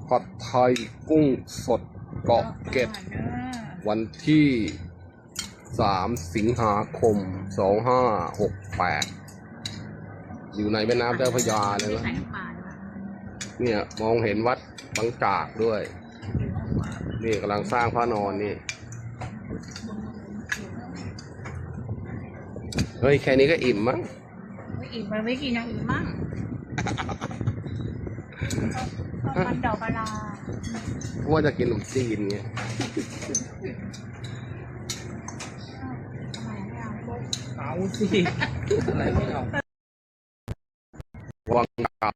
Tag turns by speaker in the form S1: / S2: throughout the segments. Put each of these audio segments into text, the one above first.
S1: ผัดไทยกุ้งสดเกาะเกร็ดวันที่3 สิงหาคม 2568อยู่ในแม่น้ำเจ้าพระยาเลยนะเนี่ยมองเห็นวัดบางจากด้วยนี่กำลังสร้างพระนอนนี่เฮ้ยแค่นี้ก็อิ่มมั้ง
S2: ไม่อิ่มมันไม่กินอย่างอื่นมั่งมันดอกกะลา
S1: ว่าจะกินขนมจีนไง
S3: เอาสิอะไรไม่เอา
S1: วังกับ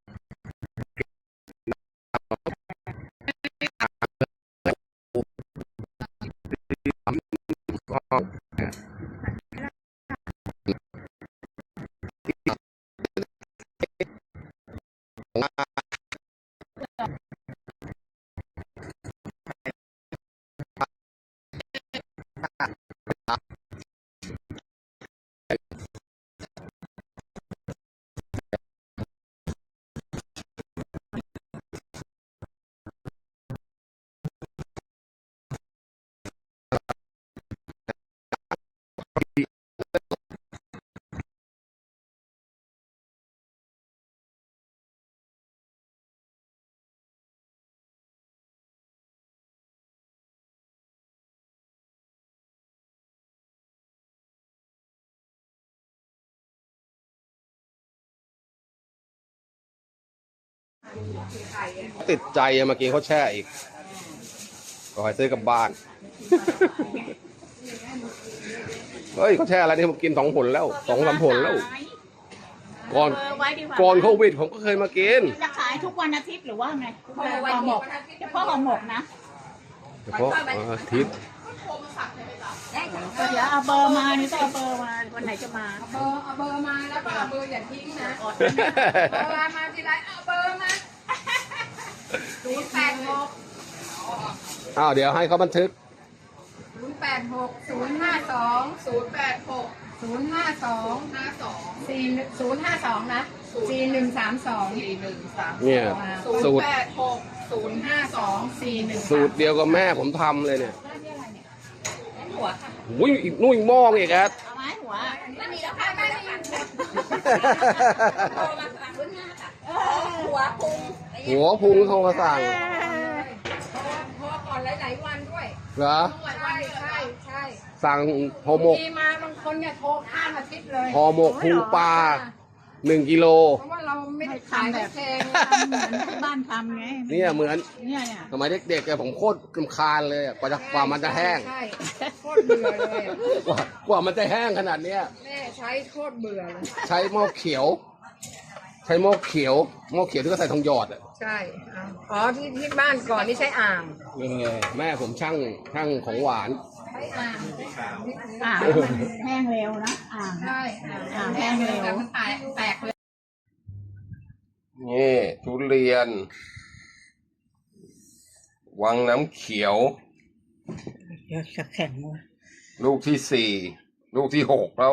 S1: ติดใจเมื่อกี้เขาแช่อีกก็ให้ซื้อกลับบ้าน เฮ้ยเขาแช่อะไรนี่ผมกิน2 ผลแล้ว2-3 ผลแล้วก่อนโควิดผมก็เคยมากิน
S2: จะขายทุกวันอาทิตย์หรือว่าไงห่อหมกเฉพาะห่อหมกนะ
S1: เฉพาะอาทิตย์
S2: เดี๋ยวเอาเบอร์มานี่ต้องเอาเบอร์มาวันไหนจะมา
S4: เอาเบอร์มาแล้วก็เอาเบอร์อย่าทิ้งนะเวลามาทีไรเอาเบอร์มา086
S1: เดี๋ยวให้เขาบันทึก
S4: 086 052 052 052 นะ4132
S1: เนี่ยสูตร
S4: 052
S1: เดียวกับแม่ผมทำเลยเนี่ยโอ้ยนุ่ยมองอีกครับ
S2: เอาไม้หัว
S4: ไม่มีแล้วค่ะไม่มี
S1: หัวพุงทองกระสัง
S4: พอก่อนหลายวันด้วย
S1: เหรอ
S4: ใช่
S1: สั่งห่อหมก
S4: มาบางคนเนี่ยโทรข้ามอาทิตย์เลย
S1: ห่อหมกพุงปลา1 กิโล
S4: เพราะว่าเราไม่ได้ขายแบบแพง
S2: เหมือนที่บ้านทำไง
S1: เนี่ยเหมือน
S2: เนี่ย
S1: สมัยเด็กๆผมโคตรกำคาญเลยกว่ามันจะแห้ง
S4: ใช่โคตรเบื่อเลย
S1: กว่ามันจะแห้งขนาดเนี้ย
S4: แม่ใช้โคตรเบื่อเลย
S1: ใช้หม้อเขียวที่ก็ใส่ทองหยอด
S4: ใช่อ๋อที่บ้านก่อนนี่ใช้อ่าง
S1: แม่ผมช่างของหวาน
S4: ใช้อ่าง
S2: มันแห้งเร็วนะ
S4: ใช่
S2: แห้งเร็ว
S4: แต่มันแตกเลย
S1: นี่ทุเรียนวังน้ำเขียว
S2: เดี๋ยวจะแข็งวะ
S1: ลูกที่4ลูกที่6แล้ว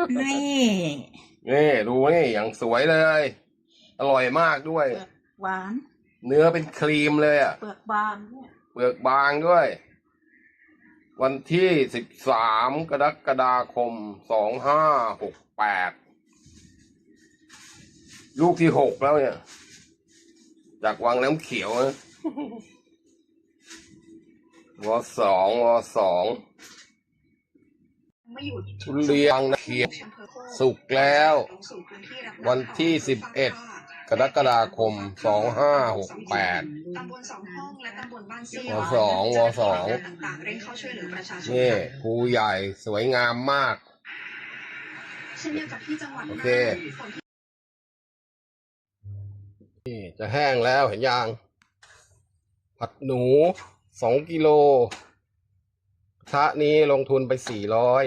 S1: นี่ดูนี่อย่างสวยเลยอร่อยมากด้วย
S2: หวาน
S1: เนื้อเป็นครีมเลย
S2: เปลือกบาง
S1: เปลือกบางด้วยวันที่13 กรกฎาคม 2568ลูกที่6แล้วเนี่ยจากวังน้ำเขียวนะว.2 ทุเรียนเขียวสุกแล้ววันที่11 กรกฎาคม 2568
S5: ตำบล2 ห้องและตำบลบ้านเซี่ยว
S1: ว.2
S5: ต่างเร่งเข้าช่วยเหลือประชาชน
S1: นี่ภูใหญ่สวยงามมาก
S5: เช่นเดียวกับที่จังหวัด
S1: โอเคนี่จะแห้งแล้วเห็นยังผัดหนู2 กิโลกระทะนี้ลงทุนไป400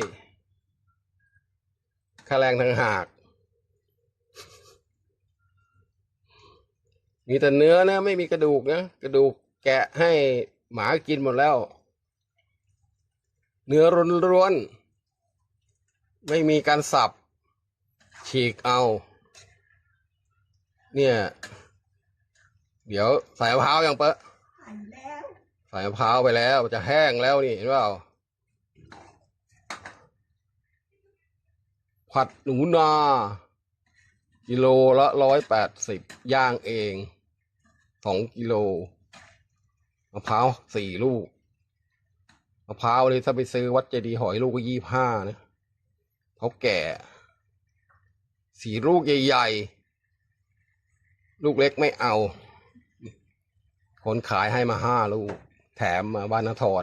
S1: ค่าแรงทางหากมีแต่เนื้อนะไม่มีกระดูกนะกระดูกแกะให้หมากินหมดแล้วเนื้อล้วนๆไม่มีการสับฉีกเอาเนี่ยเดี๋ยวใส่มะพร้าวยังเปะ
S2: แล้ว
S1: ใส่มะพร้าวไปแล้วจะแห้งแล้วนี่เห็นเปล่าผัดหนูนากิโลละ180ย่างเอง2 กิโลมะพร้าว4 ลูกมะพร้าวเลยถ้าไปซื้อวัดเจดีย์หอยลูกก็25นะเขาแก่4 ลูกใหญ่ๆลูกเล็กไม่เอาคนขายให้มา5 ลูกแถมมาบ้านนทร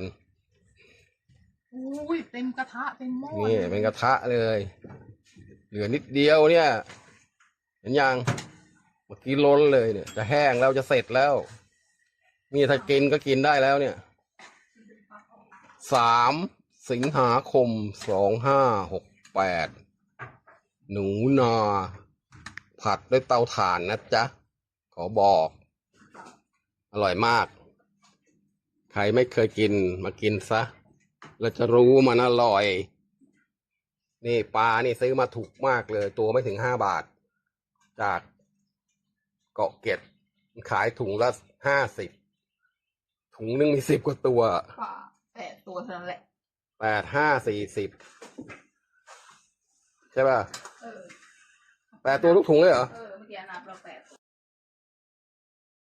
S2: อุ้ยเต็มกระทะเต็มหม้อ
S1: นี่เป็นกระทะเลย เหลือนิดเดียวเนี่ยเห็นยังเมื่อกี้ล้นเลยเนี่ยจะแห้งแล้วจะเสร็จแล้วนี่ถ้ากินก็กินได้แล้วเนี่ย3 สิงหาคม 2568หนูนาผัดด้วยเตาถ่านนะจ๊ะขอบอกอร่อยมากใครไม่เคยกินมากินซะแล้วจะรู้มันอร่อยนี่ปลานี่ซื้อมาถูกมากเลยตัวไม่ถึง5 บาทจากเกาะเกร็ดขายถุงละ50ถุงนึงมี10 กว่าตัว
S4: ป่า8 ตัวเท่านั้นแหละ
S1: 8 5 40ใช่ป่ะ
S4: เออ
S1: 8 ตัวทุกถุงเลยเหรอ
S4: เมื่อกี้นับเรา8